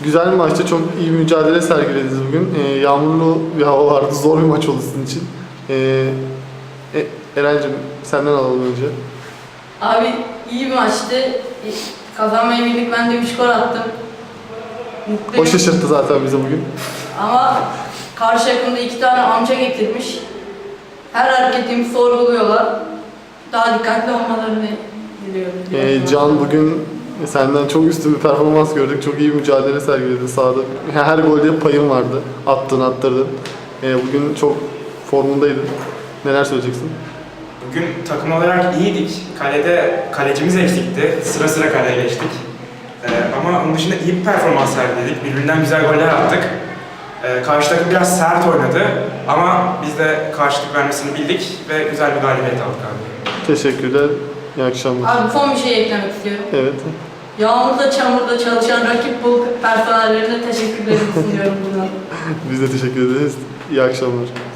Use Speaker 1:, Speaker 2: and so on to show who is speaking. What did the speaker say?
Speaker 1: Güzel bir maçtı. Çok iyi bir mücadele sergilediniz bugün. Yağmurlu bir hava vardı. Zor bir maç oldu sizin için. Eren'cim senden alalım önce.
Speaker 2: Abi iyi bir maçtı. Kazanmayı bildik. Ben de 3 gol attım. Mutluyum.
Speaker 1: O şaşırttı zaten bizi bugün.
Speaker 2: Ama karşı takımda 2 tane amca getirmiş. Her hareketimi sorguluyorlar. Daha dikkatli olmalarını diliyorum.
Speaker 1: Can, bugün senden çok üstün bir performans gördük. Çok iyi bir mücadele sergiledin sahada. Her golde payın vardı. Attın, attırdın. Bugün çok formundaydın. Neler söyleyeceksin?
Speaker 3: Bugün takım olarak iyiydik. Kalede kalecimiz eksikti. Sıra sıra kaleye geçtik. Ama onun dışında iyi bir performans sergiledik. Birbirinden güzel goller attık. Karşı takım biraz sert oynadı. Ama biz de karşılık vermesini bildik ve güzel bir galibiyet aldık abi.
Speaker 1: Teşekkürler. İyi akşamlar.
Speaker 2: Abi son bir şey eklemek istiyorum.
Speaker 1: Evet.
Speaker 2: Yağmurda, çamurda çalışan rakip bul personellerine teşekkürlerimi sunuyorum buradan.
Speaker 1: Biz de teşekkür ederiz. İyi akşamlar.